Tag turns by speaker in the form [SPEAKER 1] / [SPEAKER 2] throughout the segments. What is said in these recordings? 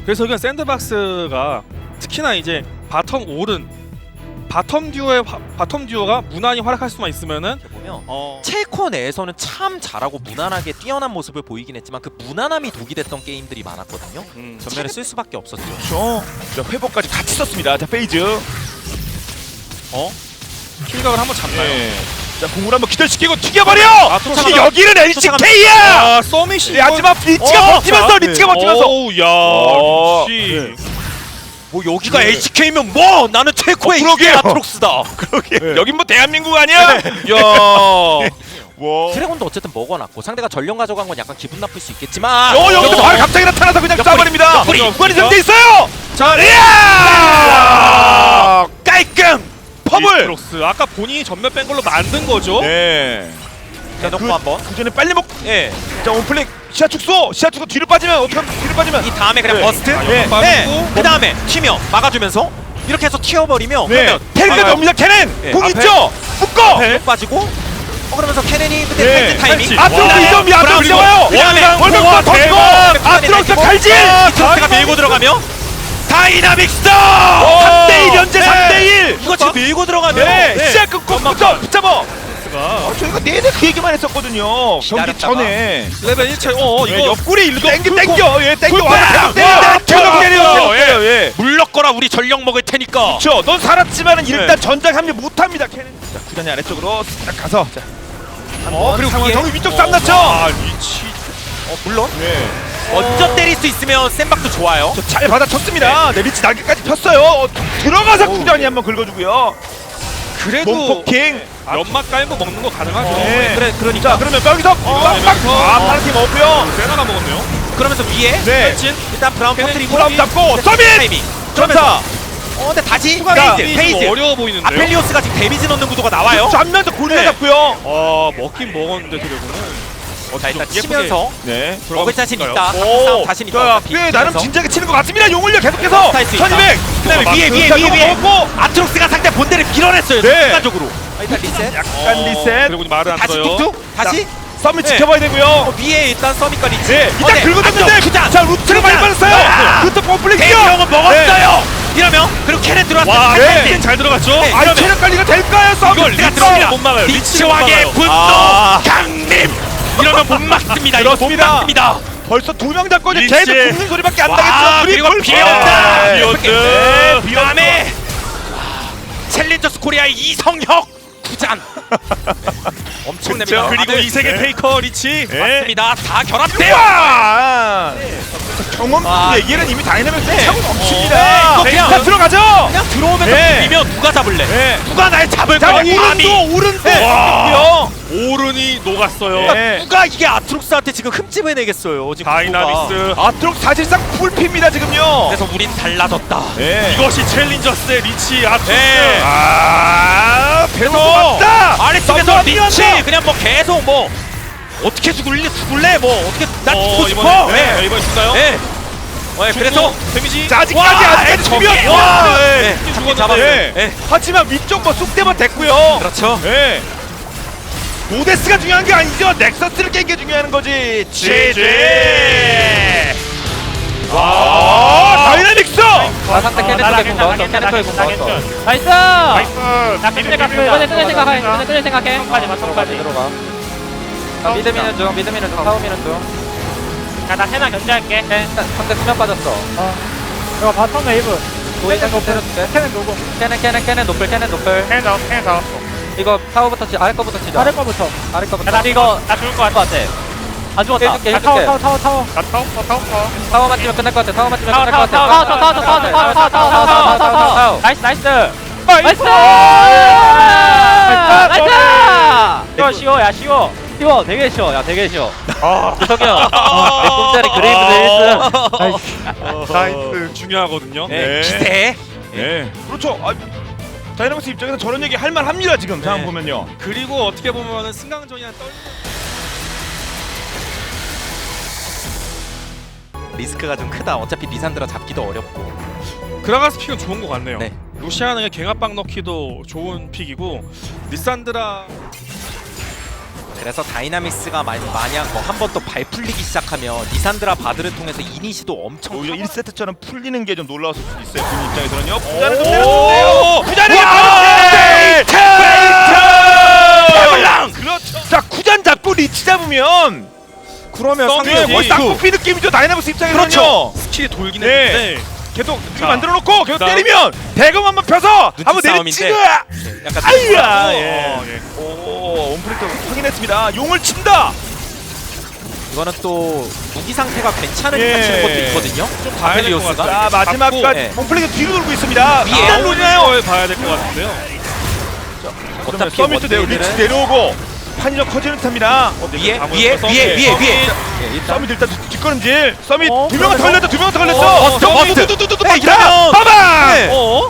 [SPEAKER 1] 그래서 그냥 샌드박스가 특히나 이제 바텀 오른 바텀 듀오가 무난히 활약할 수만 있으면은
[SPEAKER 2] 보면 첼코 내에서는 참 잘하고 무난하게 뛰어난 모습을 보이긴 했지만 그 무난함이 독이 됐던 게임들이 많았거든요. 전면에 쓸 수밖에 없었죠.
[SPEAKER 3] 그렇죠. 자, 회복까지 같이 썼습니다. 자, 페이즈.
[SPEAKER 1] 킬각을 한번 잡나요?
[SPEAKER 3] 네. 자, 공을 한번 기절시키고 튀겨버려!
[SPEAKER 1] 쫓아가다.
[SPEAKER 3] 여기는 LCK야!
[SPEAKER 1] 아, 서밋이
[SPEAKER 3] 네, 하지만 리치가 버티면서, 리치가 버티면서.
[SPEAKER 1] 오우 야, 역시
[SPEAKER 2] 뭐 여기가 HK면 뭐 나는 첼코의 이게 아트록스다.
[SPEAKER 3] 그러게. 여긴 뭐 대한민국 아니야?
[SPEAKER 1] 야.
[SPEAKER 3] 와.
[SPEAKER 2] 드래곤도 어쨌든 먹어놨고 상대가 전령 가져간 건 약간 기분 나쁠 수 있겠지만
[SPEAKER 3] 여기서 바로 갑자기 나타나서 그냥 쏴버립니다.
[SPEAKER 2] 옆구리.
[SPEAKER 3] 무관이 상대 있어요.
[SPEAKER 1] 자,
[SPEAKER 3] 이야! 깔끔. 퍼블.
[SPEAKER 1] 트록스 아까 본인이 전멸 뺀 걸로 만든 거죠?
[SPEAKER 3] 네.
[SPEAKER 2] 대놓고 한번
[SPEAKER 3] 그 전에 빨리 먹.
[SPEAKER 2] 예.
[SPEAKER 3] 자, 온플릭 시야 축소. 시야 축소 뒤로 빠지면 어떻게 하면 뒤로 빠지면.
[SPEAKER 2] 이 다음에 그냥
[SPEAKER 3] 네.
[SPEAKER 2] 버스트
[SPEAKER 3] 네.
[SPEAKER 1] 빠지고
[SPEAKER 2] 그 다음에 튀며 막아주면서 이렇게 해서 튀어버리면
[SPEAKER 3] 네.
[SPEAKER 2] 그러면
[SPEAKER 3] 텔까지 옵니다. 캐넨.
[SPEAKER 2] 네.
[SPEAKER 3] 공
[SPEAKER 2] 앞에.
[SPEAKER 3] 있죠. 묶어.
[SPEAKER 2] 못 빠지고 그러면서 케넨이 근데
[SPEAKER 3] 네.
[SPEAKER 2] 펜트 타이밍
[SPEAKER 3] 아트록스
[SPEAKER 2] 와.
[SPEAKER 3] 2점이 아트록스 와요.
[SPEAKER 2] 그다음에
[SPEAKER 3] 월급과 던지고 아트록스 칼질.
[SPEAKER 2] 이트로스가 밀고 들어가며
[SPEAKER 3] 다이나믹스 3대1 현재
[SPEAKER 2] 네.
[SPEAKER 3] 3대1.
[SPEAKER 2] 이거 지금 밀고 들어가면
[SPEAKER 3] 네. 시작 끊고 붙잡아.
[SPEAKER 1] 가
[SPEAKER 3] 저희가 내내 그 얘기만 했었거든요. 경기
[SPEAKER 2] 기다렸다가.
[SPEAKER 3] 전에.
[SPEAKER 1] 레벨 1차
[SPEAKER 3] 이거
[SPEAKER 1] 이거
[SPEAKER 3] 옆구리 일로 땡겨
[SPEAKER 1] 풀고.
[SPEAKER 3] 땡겨. 예, 땡겨.
[SPEAKER 2] 풀고.
[SPEAKER 3] 와, 계속 때려. 예.
[SPEAKER 2] 물렀거라 우리 전력 먹을 테니까
[SPEAKER 3] 그렇죠. 넌 살았지만은 일단 전장 합류 못 합니다. 캐넨. 자, 구단이 아래쪽으로 딱 가서 자.
[SPEAKER 2] 그리고
[SPEAKER 3] 상황
[SPEAKER 2] 위에
[SPEAKER 3] 정리 위쪽 쌈 났죠.
[SPEAKER 1] 아, 리치
[SPEAKER 2] 물론
[SPEAKER 3] 네.
[SPEAKER 2] 먼저 때릴 수 있으면 센박도 좋아요.
[SPEAKER 3] 잘 받아쳤습니다. 네, 리치 날개까지 폈어요. 들어가서 구단이 한번 긁어주고요.
[SPEAKER 1] 그래도
[SPEAKER 3] 몸포킹.
[SPEAKER 1] 연막 깔고 먹는 거 가능하죠.
[SPEAKER 3] 네.
[SPEAKER 2] 그러니까
[SPEAKER 3] 자, 그러면 여기서 빵빵. 아, 파란팀 없고요.
[SPEAKER 1] 세나가 먹었네요.
[SPEAKER 2] 그러면서 위에
[SPEAKER 3] 네.
[SPEAKER 1] 진
[SPEAKER 2] 일단 브라운 터트리고
[SPEAKER 3] 브라운 잡고 서밋.
[SPEAKER 2] 타이밍.
[SPEAKER 3] 점사.
[SPEAKER 2] 근데 다시
[SPEAKER 3] 자,
[SPEAKER 2] 페이즈.
[SPEAKER 1] 어려워 보이는데요.
[SPEAKER 2] 아펠리오스가 지금 데미지 넣는 구도가 나와요.
[SPEAKER 3] 전면서 골리가
[SPEAKER 2] 네.
[SPEAKER 3] 잡고요.
[SPEAKER 1] 아, 먹긴 먹었는데 드래곤은.
[SPEAKER 2] 자 일단
[SPEAKER 1] 예쁘게
[SPEAKER 2] 치면서
[SPEAKER 3] 네.
[SPEAKER 2] 먹을 자신 있다.
[SPEAKER 3] 오,
[SPEAKER 2] 싸움 자신 있다.
[SPEAKER 3] 자,
[SPEAKER 2] 어차피.
[SPEAKER 3] 꽤 나름
[SPEAKER 2] 치면서.
[SPEAKER 3] 진지하게 치는 것 같습니다. 용을요 계속해서
[SPEAKER 2] 할수 있다.
[SPEAKER 3] 1200.
[SPEAKER 2] 그다음에 위에
[SPEAKER 3] 먹고
[SPEAKER 2] 아트록스가 상대 본대를 밀어냈어요.
[SPEAKER 3] 네.
[SPEAKER 2] 순간적으로. 일단 리셋.
[SPEAKER 3] 약간 리셋.
[SPEAKER 1] 그리고 말을 안
[SPEAKER 2] 다시
[SPEAKER 1] 들어요.
[SPEAKER 2] 툭툭. 다시
[SPEAKER 3] 썸밋
[SPEAKER 2] 네.
[SPEAKER 3] 지켜봐야 되고요.
[SPEAKER 2] 위에 일단 서밋과 리치.
[SPEAKER 3] 네, 일단
[SPEAKER 2] 네.
[SPEAKER 3] 긁어줬는데
[SPEAKER 2] 안정.
[SPEAKER 3] 자, 루트를 많이
[SPEAKER 2] 그냥.
[SPEAKER 3] 빠졌어요. 루트 펌플링
[SPEAKER 2] 데이비 형은 먹었어요. 이러면 그리고 캐넨 들어왔어요.
[SPEAKER 1] 와,
[SPEAKER 3] 네.
[SPEAKER 1] 잘 들어갔죠?
[SPEAKER 2] 네.
[SPEAKER 3] 아, 체력 관리가 될까요? 썸밋
[SPEAKER 1] 이걸 리치가 못 막아요.
[SPEAKER 2] 리치왕의 분노
[SPEAKER 3] 아.
[SPEAKER 2] 강림. 이러면 못 막습니다. 이거 못
[SPEAKER 3] 그렇습니다.
[SPEAKER 2] 막습니다.
[SPEAKER 3] 벌써 2명 잡고 이제
[SPEAKER 1] 리치.
[SPEAKER 3] 계속 죽는 소리밖에 안
[SPEAKER 2] 와,
[SPEAKER 3] 나겠죠.
[SPEAKER 2] 그리고
[SPEAKER 3] 불-
[SPEAKER 2] 비온다.
[SPEAKER 3] 네.
[SPEAKER 2] 비온다.
[SPEAKER 3] 네,
[SPEAKER 2] 다음에 챌린저스 코리아의 이성혁 구잔. 엄청납니다.
[SPEAKER 1] 그리고
[SPEAKER 2] 다들
[SPEAKER 1] 이 세계 페이커 리치.
[SPEAKER 3] 네.
[SPEAKER 2] 맞습니다. 다 결합돼요.
[SPEAKER 3] 와! 경험
[SPEAKER 2] 아,
[SPEAKER 3] 얘기는 이미 다이나믹스
[SPEAKER 2] 네.
[SPEAKER 3] 차고 넘칩니다.
[SPEAKER 2] 네, 이거 그냥-
[SPEAKER 3] 자, 들어가죠.
[SPEAKER 2] 그냥 들어오면서
[SPEAKER 3] 네.
[SPEAKER 2] 비비면 누가 잡을래?
[SPEAKER 3] 네.
[SPEAKER 2] 누가 날 잡을
[SPEAKER 3] 자,
[SPEAKER 2] 거야?
[SPEAKER 3] 오른도
[SPEAKER 2] 네.
[SPEAKER 3] 와.
[SPEAKER 1] 오른이 녹았어요.
[SPEAKER 3] 네.
[SPEAKER 2] 누가 이게 아트록스한테 지금 흠집을 내겠어요? 지금 구도가.
[SPEAKER 1] 다이나믹스.
[SPEAKER 3] 아트록 사실상 풀피입니다 지금요.
[SPEAKER 2] 그래서 우린 달라졌다.
[SPEAKER 3] 네.
[SPEAKER 1] 이것이 챌린저스의 리치 아트록스.
[SPEAKER 2] 네.
[SPEAKER 3] 아, 배도 맞다.
[SPEAKER 2] 아래쪽에서
[SPEAKER 3] 썸썸
[SPEAKER 2] 리치
[SPEAKER 3] 뛰었다.
[SPEAKER 2] 그냥 뭐 계속 뭐 어떻게 죽을래 뭐 어떻게 난 죽고 싶어.
[SPEAKER 1] 이번에,
[SPEAKER 2] 네.
[SPEAKER 1] 네, 이번에 죽나요?
[SPEAKER 2] 네. 그래서
[SPEAKER 1] 데미지.
[SPEAKER 3] 자, 아직까지 죽이면 와. 네.
[SPEAKER 2] 잡긴 잡았어요.
[SPEAKER 3] 네.
[SPEAKER 2] 네.
[SPEAKER 3] 하지만 위쪽 뭐 쑥대만 됐고요.
[SPEAKER 2] 그렇죠.
[SPEAKER 3] 네. 모데스가 중요한 게 아니죠. 넥서스를 깬 게 중요한 거지. GG. 와, 다이나믹스.
[SPEAKER 4] 아 상대 캐넨 쪽에 공 넣었어. 캐넨 쪽에 공 넣었어. 나이스. 나 끝낼 생각해. 끝낼 생각해. 까지 들어가. 나 미드 미는 중. 미드 미는 중. 타워 미는 중.
[SPEAKER 5] 나 세나 견제할게.
[SPEAKER 4] 상대 수면 빠졌어.
[SPEAKER 5] 이거 바텀 웨이브.
[SPEAKER 4] 도이는 거 때려줄게.
[SPEAKER 5] 캐는 누구?
[SPEAKER 4] 캐넨 노플. 캐넨 노플.
[SPEAKER 5] 캐는 더.
[SPEAKER 4] 이거 타워부터 아래 거부터 치자.
[SPEAKER 5] 아래 거부터.
[SPEAKER 4] 아래 거부터.
[SPEAKER 5] 나 이거 나 죽을 것 같아. 안 죽었다.
[SPEAKER 4] 해줄게,
[SPEAKER 5] 나 타워
[SPEAKER 4] 해줄게.
[SPEAKER 5] 타워.
[SPEAKER 1] 나 타워.
[SPEAKER 4] 타워만 치면 끝날 것 같아. 타워만 치면 끝날 것
[SPEAKER 5] 타워.
[SPEAKER 4] 같아.
[SPEAKER 5] 나이스.
[SPEAKER 4] 나이스. 나이스.
[SPEAKER 5] 쉬워 야 쉬워.
[SPEAKER 4] 쉬워. 되게 쉬워. 야 되게 쉬워.
[SPEAKER 1] 아,
[SPEAKER 4] 유석영. 내 꿈자리 그레이브드 1승.
[SPEAKER 1] 나이스. 중요하거든요.
[SPEAKER 2] 네. 기세.
[SPEAKER 3] 네. 그렇죠. 아, 다이나믹스 입장에서 저런 얘기 할 만합니다 지금 상황 보면요.
[SPEAKER 1] 그리고 어떻게 보면은 승강전이랑
[SPEAKER 2] 리스크가 좀 크다. 어차피 리산드라 잡기도 어렵고.
[SPEAKER 1] 그라가스 픽은 좋은 것 같네요.
[SPEAKER 2] 네.
[SPEAKER 1] 루시아는 갱합방 넣기도 좋은 픽이고 리산드라
[SPEAKER 2] 그래서 다이나믹스가 만약 뭐 한 번 또 발 풀리기 시작하면 리산드라 바드를 통해서 이니시도 엄청
[SPEAKER 3] 오히려
[SPEAKER 2] 커-
[SPEAKER 3] 1세트처럼 풀리는 게 좀 놀라웠을 수도 있어요. 군 입장에서는요. 부자는 좀 때렸는데요. 부자는 페이트! 그렇죠. 자, 구잔 잡고 리치 잡으면
[SPEAKER 1] 그러면
[SPEAKER 3] 상대
[SPEAKER 1] 상대
[SPEAKER 3] 거의 쌍코피 느낌이죠. 다이나믹스 입장에서는요.
[SPEAKER 1] 그렇죠. 스킬이 돌긴
[SPEAKER 3] 네.
[SPEAKER 1] 했는데
[SPEAKER 3] 계속
[SPEAKER 1] 자,
[SPEAKER 3] 만들어 놓고 계속
[SPEAKER 1] 그다음.
[SPEAKER 3] 때리면 대금 한번 펴서 한번
[SPEAKER 2] 싸움인데.
[SPEAKER 3] 내리치고
[SPEAKER 2] 약간
[SPEAKER 3] 아이야.
[SPEAKER 1] 예.
[SPEAKER 3] 예. 오, 온프리트 확인했습니다. 용을 친다.
[SPEAKER 2] 이거는 또 무기 상태가 괜찮으니까
[SPEAKER 3] 예.
[SPEAKER 2] 치는 것도 있거든요.
[SPEAKER 1] 좀 봐야 될 것
[SPEAKER 2] 아펠리오스가.
[SPEAKER 1] 같아요.
[SPEAKER 3] 자, 마지막까지
[SPEAKER 2] 네.
[SPEAKER 3] 온플레이가 뒤로 돌고 있습니다.
[SPEAKER 2] 위에
[SPEAKER 3] 일단 로나요.
[SPEAKER 1] 걸 봐야 될 것 같은데요.
[SPEAKER 2] 어차피
[SPEAKER 3] 서밋도 내고
[SPEAKER 2] 원데이들은-
[SPEAKER 3] 리치 내려오고 판이 좀 커지는 듯합니다.
[SPEAKER 2] 위에
[SPEAKER 1] 아무래도
[SPEAKER 2] 위에
[SPEAKER 1] 서밋.
[SPEAKER 2] 위에 위에 위에.
[SPEAKER 1] 서밋.
[SPEAKER 2] 예, 일단
[SPEAKER 3] 서밋 일단 뒷걸음질. 서밋
[SPEAKER 2] 어,
[SPEAKER 3] 두 명한테 걸렸다. 두 명한테 걸렸어.
[SPEAKER 2] 머스트, 머스트. 네, 이러면-
[SPEAKER 3] 봐봐.
[SPEAKER 2] 네.
[SPEAKER 1] 어?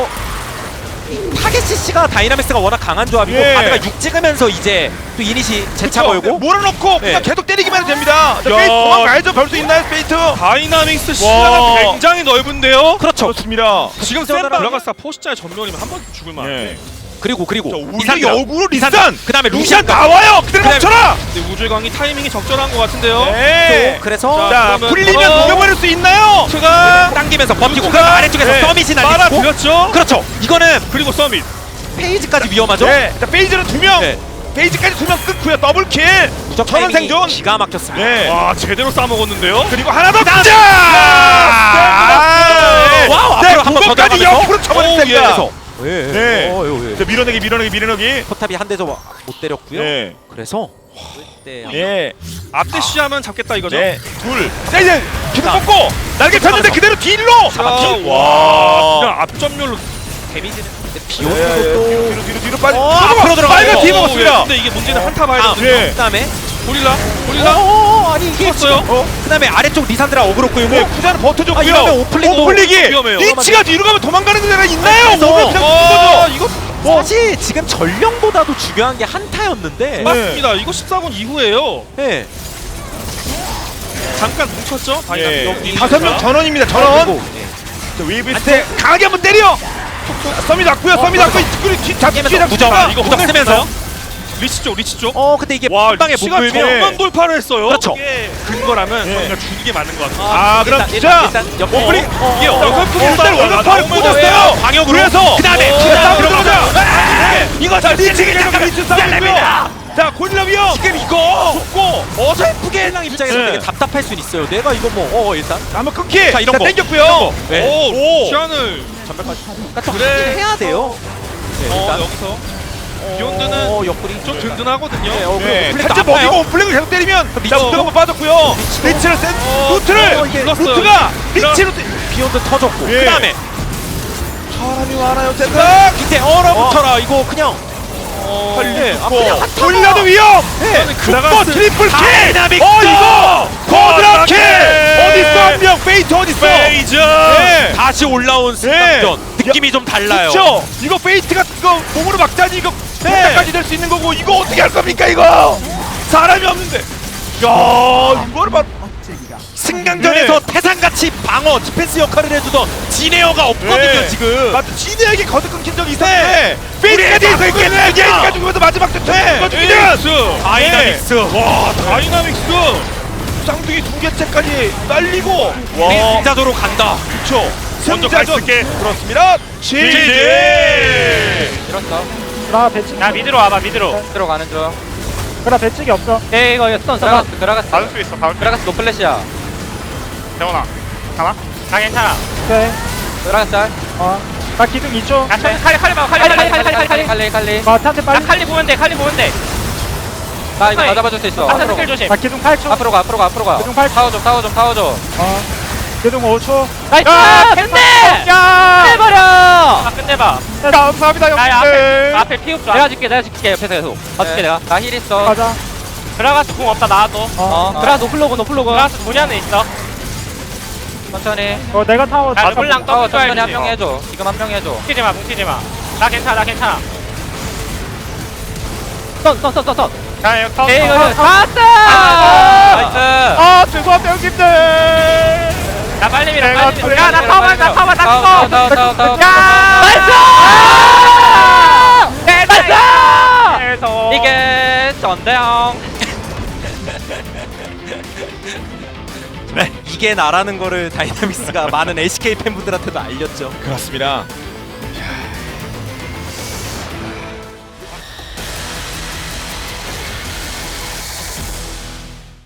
[SPEAKER 2] 타겟 CC가 다이나믹스가 워낙 강한 조합이고
[SPEAKER 3] 예.
[SPEAKER 2] 바드가 6 찍으면서 이제 또 이니시 재차 걸고
[SPEAKER 3] 몰아놓고 그냥
[SPEAKER 2] 네.
[SPEAKER 3] 계속 때리기만 해도 됩니다. 자,
[SPEAKER 1] 야.
[SPEAKER 3] 페이트 도망가야죠. 걸 수 있나요, 페이트?
[SPEAKER 1] 다이나믹스 시야가 굉장히 넓은데요.
[SPEAKER 2] 그렇죠.
[SPEAKER 3] 그렇습니다.
[SPEAKER 1] 지금
[SPEAKER 2] 전멸하면-
[SPEAKER 1] 센 블라가스타 포시자의 전면이면 한 번 죽을 만한데
[SPEAKER 3] 예.
[SPEAKER 2] 그리고
[SPEAKER 3] 자, 우리
[SPEAKER 2] 리산드라.
[SPEAKER 3] 역으로
[SPEAKER 2] 리산드라.
[SPEAKER 3] 리산.
[SPEAKER 2] 그다음에
[SPEAKER 3] 루시안
[SPEAKER 2] 루시안
[SPEAKER 3] 나와요. 그대로
[SPEAKER 2] 그다음에-
[SPEAKER 3] 멈춰라.
[SPEAKER 1] 근데 우주광이 타이밍이 적절한 것 같은데요.
[SPEAKER 3] 네.
[SPEAKER 2] 그래서
[SPEAKER 3] 자,
[SPEAKER 1] 그러면
[SPEAKER 3] 풀리면
[SPEAKER 1] 어.
[SPEAKER 3] 녹여버릴 수 있나요?
[SPEAKER 1] 트가
[SPEAKER 2] 당기면서 버티고
[SPEAKER 3] 루트가-
[SPEAKER 2] 그다음 아래쪽에서
[SPEAKER 3] 네.
[SPEAKER 2] 서밋이 날리고
[SPEAKER 1] 빨아들였죠.
[SPEAKER 2] 그렇죠. 이거는
[SPEAKER 1] 그리고 서밋.
[SPEAKER 2] 페이지까지 위험하죠.
[SPEAKER 3] 네. 자, 페이지는 두 명.
[SPEAKER 2] 네.
[SPEAKER 3] 페이지까지 두 명 끊고요. 더블킬.
[SPEAKER 2] 무적
[SPEAKER 3] 천원
[SPEAKER 2] 타이밍이
[SPEAKER 3] 생존.
[SPEAKER 2] 기가 막혔습니다.
[SPEAKER 3] 네.
[SPEAKER 1] 와 제대로 싸먹었는데요.
[SPEAKER 3] 그리고 하나 더.
[SPEAKER 2] 그다음에-
[SPEAKER 3] 자!
[SPEAKER 2] 와우,
[SPEAKER 3] 네,
[SPEAKER 2] 앞으로 한번더
[SPEAKER 3] 그거까지
[SPEAKER 2] 들어가면서.
[SPEAKER 3] 옆으로 쳐버렸습니다.
[SPEAKER 2] 그래서
[SPEAKER 3] 네. 자, 밀어내기.
[SPEAKER 2] 포탑이 한 대도 못 때렸고요.
[SPEAKER 3] 네.
[SPEAKER 2] 그래서 그때
[SPEAKER 3] 네.
[SPEAKER 1] 앞대시하면 잡겠다 이거죠.
[SPEAKER 3] 네. 둘. 자, 이제 계속
[SPEAKER 2] 자.
[SPEAKER 3] 뽑고 날개 폈는데 그대로 딜로.
[SPEAKER 1] 자,
[SPEAKER 3] 와.
[SPEAKER 1] 그냥 앞점률로
[SPEAKER 2] 데미지는
[SPEAKER 3] 네,
[SPEAKER 2] 비욘드도 또
[SPEAKER 3] 뒤로 빠져.
[SPEAKER 2] 앞으로 들어가요.
[SPEAKER 3] 빨간 팀
[SPEAKER 1] 예.
[SPEAKER 3] 먹었습니다.
[SPEAKER 1] 근데 이게 문제는 한타 봐야
[SPEAKER 2] 아,
[SPEAKER 1] 되거든요.
[SPEAKER 3] 네.
[SPEAKER 2] 그다음에
[SPEAKER 1] 고릴라.
[SPEAKER 2] 아니 이게
[SPEAKER 1] 죽었어요.
[SPEAKER 2] 그다음에 아래쪽 리산드라 어그로 끌고
[SPEAKER 3] 네, 구자는 버텨줬고요.
[SPEAKER 2] 아, 이러면 오플릭도
[SPEAKER 3] 오플릭이
[SPEAKER 1] 위험해요.
[SPEAKER 3] 리치가 뒤로 가면 도망가는 데가 있나요?
[SPEAKER 2] 그래서-
[SPEAKER 3] 몸을 그냥 준 거죠.
[SPEAKER 1] 이거
[SPEAKER 2] 사실 지금 전령보다도 중요한 게 한타였는데
[SPEAKER 3] 네.
[SPEAKER 1] 맞습니다. 이거 14분 이후에요.
[SPEAKER 2] 네.
[SPEAKER 1] 잠깐 뭉쳤죠.
[SPEAKER 3] 예.
[SPEAKER 1] 여기
[SPEAKER 3] 5명 전원입니다. 전원.
[SPEAKER 2] 그리고, 네.
[SPEAKER 3] 자, 웨이브 스텝 강하게 한번 때려. 썸이 났고요. 썸이 났고 뒤 잡기
[SPEAKER 2] 게임에서 무적,
[SPEAKER 1] 이거
[SPEAKER 2] 무적
[SPEAKER 1] 쓰면서 리치 쪽.
[SPEAKER 2] 근데 이게
[SPEAKER 1] 와,
[SPEAKER 2] 한 방에 못
[SPEAKER 1] 리치가
[SPEAKER 2] 돌면
[SPEAKER 1] 정면 돌파를 했어요.
[SPEAKER 2] 그렇죠.
[SPEAKER 1] 이게 근거라면
[SPEAKER 3] 예.
[SPEAKER 1] 저희가 주는 게 맞는 것 같아요.
[SPEAKER 3] 아, 그럼
[SPEAKER 2] 일단
[SPEAKER 3] 자.
[SPEAKER 2] 옆
[SPEAKER 3] 오플릭.
[SPEAKER 2] 이게
[SPEAKER 3] 일단 원더파를 꽂았어요.
[SPEAKER 2] 방역으로
[SPEAKER 3] 그래서
[SPEAKER 2] 그다음에
[SPEAKER 3] 싸움
[SPEAKER 2] 들어가자.
[SPEAKER 3] 들어가자. 이거 자 리치 계속 리치 싸움이고요. 자, 고릴라 위험.
[SPEAKER 2] 지금 이거
[SPEAKER 3] 죽고
[SPEAKER 2] 어설프게 랑 입장에서
[SPEAKER 3] 네.
[SPEAKER 2] 되게 답답할 수는 있어요. 내가 이거 뭐 일단
[SPEAKER 3] 한번 끊기.
[SPEAKER 2] 자, 이런 거.
[SPEAKER 3] 땡겼고요.
[SPEAKER 2] 네.
[SPEAKER 1] 오, 시안을
[SPEAKER 2] 그러니까
[SPEAKER 1] 그래.
[SPEAKER 2] 해야 돼요. 네, 일단
[SPEAKER 1] 여기서 비욘드는
[SPEAKER 2] 옆구리
[SPEAKER 1] 좀 든든하거든요.
[SPEAKER 2] 네,
[SPEAKER 3] 네,
[SPEAKER 2] 오플릭
[SPEAKER 3] 살짝
[SPEAKER 2] 아파요.
[SPEAKER 3] 먹이고 오플릭을 계속 때리면
[SPEAKER 2] 리치.
[SPEAKER 3] 자, 우드가 한번 빠졌고요. 리치를 센 루트를
[SPEAKER 2] 이게
[SPEAKER 3] 루트가 리치로
[SPEAKER 2] 비욘드 터졌고
[SPEAKER 3] 예.
[SPEAKER 2] 그다음에
[SPEAKER 3] 사람이 많아요. 센터.
[SPEAKER 2] 밑에 얼어붙어라 이거 그냥
[SPEAKER 3] 네,
[SPEAKER 2] 그냥 한타가.
[SPEAKER 3] 고릴라도 위험.
[SPEAKER 2] 네.
[SPEAKER 3] 죽고 트리플 킬.
[SPEAKER 2] 다이나믹스.
[SPEAKER 3] 이거 쿼드라 킬. 어딨어 한 명. 페이트 어딨어?
[SPEAKER 1] 페이저.
[SPEAKER 3] 네.
[SPEAKER 2] 다시 올라온 승강전 느낌이 좀 달라요.
[SPEAKER 3] 그렇죠. 이거 페이트가 이거 몸으로 막자니 이거 까지 될 수 있는 거고 이거 어떻게 할 겁니까 이거? 사람이 없는데. 야, 이거를 봐.
[SPEAKER 2] 승강전에서 태산같이 방어 디펜스 역할을 해주던 지네어가 없거든요
[SPEAKER 3] 네.
[SPEAKER 2] 지금.
[SPEAKER 3] 맞아, 지네에게 거듭 끊긴 적이 있었는데 페이트까지 해서 있겠네. 얘기가 죽으면서 마지막 대퇴.
[SPEAKER 1] 에이스.
[SPEAKER 2] 다이나믹스.
[SPEAKER 1] 와, 다이나믹스.
[SPEAKER 3] 쌍둥이 두 개째까지 날리고.
[SPEAKER 2] 우리 승자도로 간다.
[SPEAKER 3] 그렇죠.
[SPEAKER 1] 먼저
[SPEAKER 3] 승자전.
[SPEAKER 1] 갈게.
[SPEAKER 3] 그렇습니다. GG.
[SPEAKER 4] 이렇다.
[SPEAKER 5] 나 배치.
[SPEAKER 4] 야 미드로 와봐 미드로.
[SPEAKER 5] 들어가는 중. 그나 배치기 없어.
[SPEAKER 4] 에이 이거 스턴 들어갔어.
[SPEAKER 5] 받을 수 있어. 받을 수
[SPEAKER 4] 들어갔어 노플래시야.
[SPEAKER 5] 태원아. 가나?
[SPEAKER 4] 나 괜찮아.
[SPEAKER 5] 오케이.
[SPEAKER 4] 들어갔어.
[SPEAKER 5] 나 기둥 2초.
[SPEAKER 4] 야 칼리 봐 칼리.
[SPEAKER 5] 한테
[SPEAKER 4] 나 칼리 보면 돼 칼리 보면 돼.
[SPEAKER 6] 나 이거 다 잡아줄 수 있어.
[SPEAKER 4] 한타 스킬 조심.
[SPEAKER 5] 나 기둥 8초.
[SPEAKER 6] 앞으로 가.
[SPEAKER 5] 기둥 8초.
[SPEAKER 6] 타워 좀.
[SPEAKER 5] 기둥 5초.
[SPEAKER 4] 나이스! 끝내!
[SPEAKER 5] 야!
[SPEAKER 4] 해버려! 아 끝내봐.
[SPEAKER 5] 감사합니다 형님들.
[SPEAKER 4] 앞에 피읍 줘.
[SPEAKER 6] 내가 줄게 옆에서 계속. 봐줄게 내가. 나 힐 있어.
[SPEAKER 5] 가자.
[SPEAKER 4] 들어가서 공 없다 나와도.
[SPEAKER 6] 들어가 노플로그.
[SPEAKER 4] 들어가서 문이 안에 있어.
[SPEAKER 6] 천천히.
[SPEAKER 5] 내가 타워.
[SPEAKER 4] 나 르블랑
[SPEAKER 6] 타워
[SPEAKER 4] 떠줘야지.
[SPEAKER 6] 천천히 한 명 해줘. 지금 한 명 해줘.
[SPEAKER 4] 뭉치지 마. 나 괜찮아.
[SPEAKER 6] 선.
[SPEAKER 5] 자 이거 타워.
[SPEAKER 4] 에이 이거
[SPEAKER 6] 나이스.
[SPEAKER 5] 아 죄송합니다 형님들.
[SPEAKER 4] 나 빨리 밀어.
[SPEAKER 5] 내가
[SPEAKER 4] 빨리 밀어. 야, 나 타워만 나
[SPEAKER 6] 타워.
[SPEAKER 4] 죽어. 나이스!
[SPEAKER 6] 이게 전대형.
[SPEAKER 2] 이게 나라는 거를 다이나믹스가 많은 LCK 팬분들한테도 알렸죠.
[SPEAKER 3] 그렇습니다.